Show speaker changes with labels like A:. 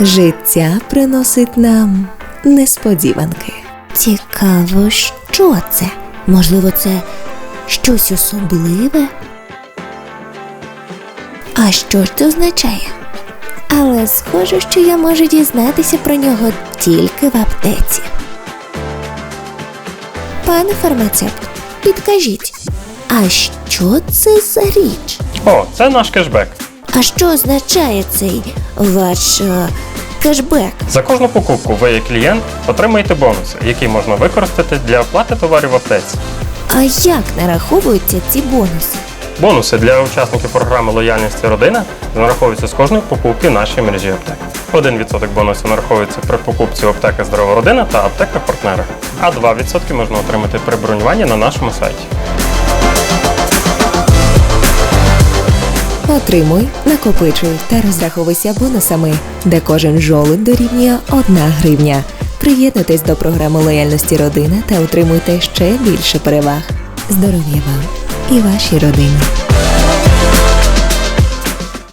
A: Життя приносить нам несподіванки.
B: Цікаво, що це? Можливо, це щось особливе? А що ж це означає? Але схоже, що я можу дізнатися про нього тільки в аптеці. Пане фармацевт, підкажіть, а що це за річ?
C: О, це наш кешбек.
B: А що означає цей ваш кешбек?
C: За кожну покупку ви, як клієнт, отримаєте бонуси, які можна використати для оплати товарів в аптеці.
B: А як нараховуються ці бонуси?
C: Бонуси для учасників програми лояльності родина нараховуються з кожної покупки в нашій мережі аптек. 1% бонусів нараховується при покупці в аптеках «Здорова родина» та аптеках-партнерах, а 2% можна отримати при бронюванні на нашому сайті.
A: Отримуй, накопичуй та розраховуйся бонусами, де кожен жолудь дорівнює 1 гривня. Приєднуйтесь до програми лояльності родина та отримуйте ще більше переваг. Здоров'я вам і вашій родині!